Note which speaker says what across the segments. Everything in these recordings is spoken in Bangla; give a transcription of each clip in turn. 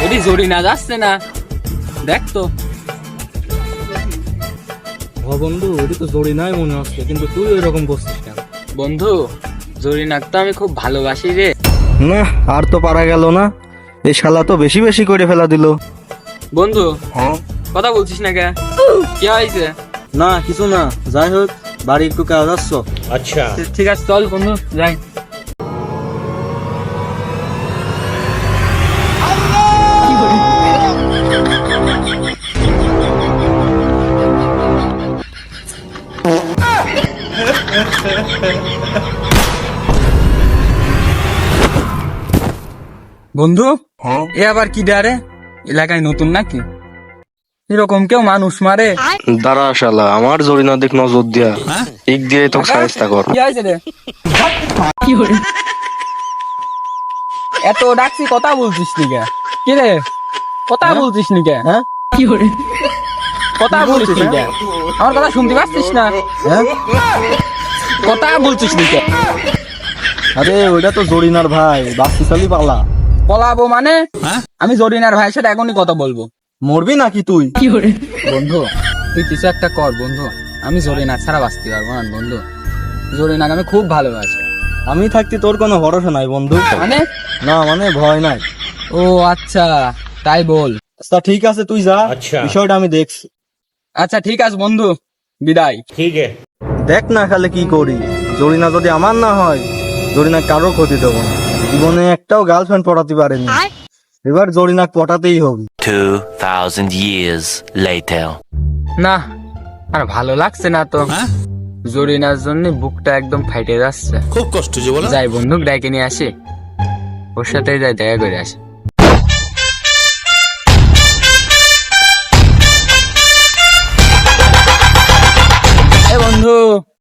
Speaker 1: এটি জরিনা যাচ্ছে না, দেখ তো।
Speaker 2: ও বন্ধু, এটি তো জরিনাই মনে হচ্ছে, কিন্তু তুই এরকম করছিস কেন?
Speaker 1: বন্ধু, জরিনাক তো আমি খুব ভালোবাসি রে।
Speaker 2: না, আর তো পারা গেল না, এই শালা তো বেশি বেশি করে ফেলা দিল।
Speaker 1: বন্ধু, কথা বলছিস না কে? কি হয়েছে?
Speaker 2: না কিছু না, যাই হোক বাড়ি একটু কাজ আসছ।
Speaker 3: अच्छा
Speaker 1: ঠিক আছে, চল বন্ধু যাই। বন্ধু, এ আবার কি ডারে? এলাকায় নতুন নাকি? এরকম কেউ মানুষ মারে?
Speaker 2: দাঁড়া শালা, আমার জরিনা দিক নজর দিয়া, ঠিক দিয়ে তো সাহায্য কর।
Speaker 1: কি হয়েছে রে? এত ডাকছি, কথা বলছিস নি কে? কি রে, কথা বলছিস নি কে?
Speaker 2: হ্যাঁ,
Speaker 1: কথা বলছিস নি কে? আমার কথা শুনতে পাচ্ছিস না?
Speaker 2: হ্যাঁ,
Speaker 1: কথা বলছিস নি কে?
Speaker 2: আরে ওইটা তো জরিনার ভাই, বাচ্চা চালি পালা।
Speaker 1: পলাবো মানে? আমি জরিনার ভাইয়ের সাথে এখনই কথা বলবো।
Speaker 2: মরবি নাকি তুই?
Speaker 1: বন্ধু, তুই কিছু একটা কর বন্ধু, আমি জরিনা ছাড়া বাঁচতে পারবো না বন্ধু। জরিনাকে আমি খুব ভালোবাসি।
Speaker 2: আমি থাকতে তোর কোনো ভরসা নাই বন্ধু।
Speaker 1: মানে?
Speaker 2: না মানে ভয় নাই।
Speaker 1: ও আচ্ছা, তাই বল।
Speaker 2: আচ্ছা ঠিক আছে, তুই যা,
Speaker 3: আচ্ছা।
Speaker 2: বিষয়টা আমি দেখছি।
Speaker 1: আচ্ছা ঠিক আছে বন্ধু, বিদায়।
Speaker 3: ठीक है
Speaker 2: দেখ না খালে কি করি, জরিনা যদি আমার না হয়, জরিনা কারো ক্ষতি দেবো না। জীবনে একটাও গার্লফ্রেন্ড পটাতে পারেনি, এবার জরিনা পটাতেই হবে।
Speaker 4: 2000 years later.
Speaker 1: না, আর ভালো লাগছে না তো। জরিনার জন্য বুকটা একদম ফাইটে যাচ্ছে।
Speaker 5: খুব কষ্ট যে বলো।
Speaker 1: যাই বন্ধু, ডাইকে নিয়ে আসি, ওর সাথে যাই দেখা করে আসি। এ বন্ধু,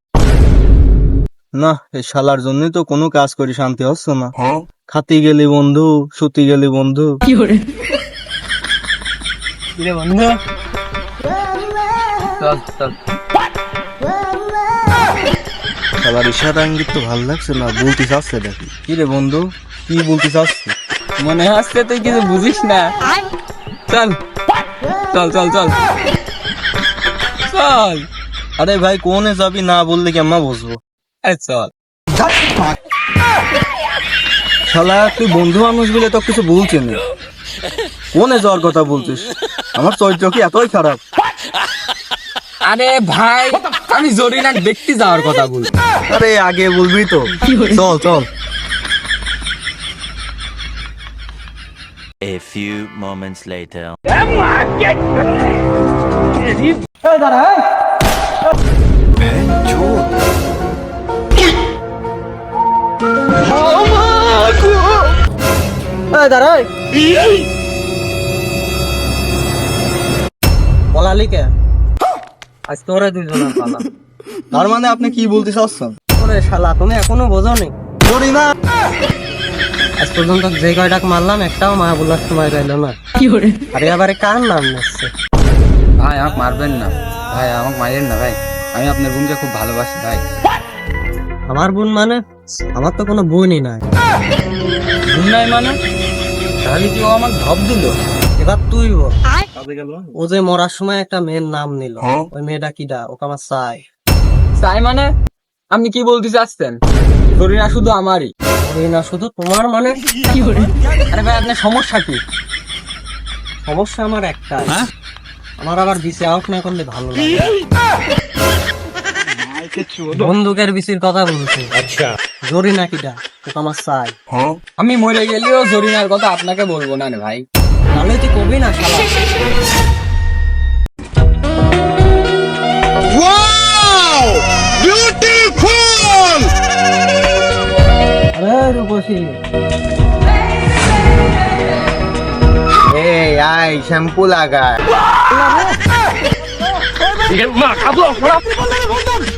Speaker 2: না, এই শালার জন্যই তো কোনো কাজ করি শান্তি হচ্ছে না। খাতি গেলি বন্ধু, সুতি গেলি বন্ধু।
Speaker 1: কি রে বন্ধু, চল চল।
Speaker 2: শালার ইশারা ইঙ্গিত তো ভালো লাগছে না, বলতে চাচ্ছে দেখি। কি রে বন্ধু, কি বলতে চাচ্ছে?
Speaker 1: মনে হচ্ছে তুই কিছু বুঝিস না। চল চল চল চল চল।
Speaker 2: আরে ভাই কোনে যাবি, না বললে কি আম্মা বুঝবো?
Speaker 1: চল।
Speaker 2: শালা তুই বন্ধু মানুষ বলে তো কিছু বলছে না, কোনে যাওয়ার কথা বলছিস? আমার চরিত্র কি এতই খারাপ?
Speaker 1: আরে ভাই, আমি জরিনাক দেখতে যাওয়ার কথা বল।
Speaker 2: আরে আগে বলবি তো, চল চল।
Speaker 4: A few moments later.
Speaker 2: পলালি কে? আজ তোরা দুজন পালা। তার মানে আপনি কি বলতে চাচ্ছেন?
Speaker 6: ওরে শালা, তুমি এখনো বোঝোনি?
Speaker 2: জরিনা
Speaker 6: আজ পর্যন্ত যে কয়টাক মারলাম, একটাও মা বলার সময় রইল না। আরে আবার কার নাম নিচ্ছে?
Speaker 1: ভাই আমাকে মারবেন না, ভাই আমাকে মারেন না ভাই, আমি আপনার বোনকে খুব ভালোবাসি ভাই।
Speaker 6: আমার বোন মানে? আমার তো কোনো বোনই নাই।
Speaker 1: বোন নাই মানে? তাহলে কি ও আমাকে ধপ দিল?
Speaker 6: এবার তুই বল, ও যে মরার সময় একটা মেয়ের নাম নিল, ওই মেয়েটা কিডা? ওকে আমার চাই।
Speaker 1: তাই মানে আপনি কি বলতে চাচ্ছেন? জরিনা শুধু আমারই?
Speaker 6: ওই না শুধু তোমার মানে?
Speaker 1: আরে ভাই, আপনার সমস্যা কি?
Speaker 6: সমস্যা আমার একটাই, আমার আবার বিসি আউট না করলে ভালো লাগে। বন্দুকের বিসির কথা বলছি।
Speaker 3: अच्छा
Speaker 6: জরিনা কিডা? ওকে আমার চাই।
Speaker 1: আমি মরে গেলেও জরিনার কথা আপনাকে বলবো না রে ভাই।
Speaker 6: তাহলে তুই কবি না শালা। আরে রূপসী,
Speaker 2: এই আই শ্যাম্পু লাগা।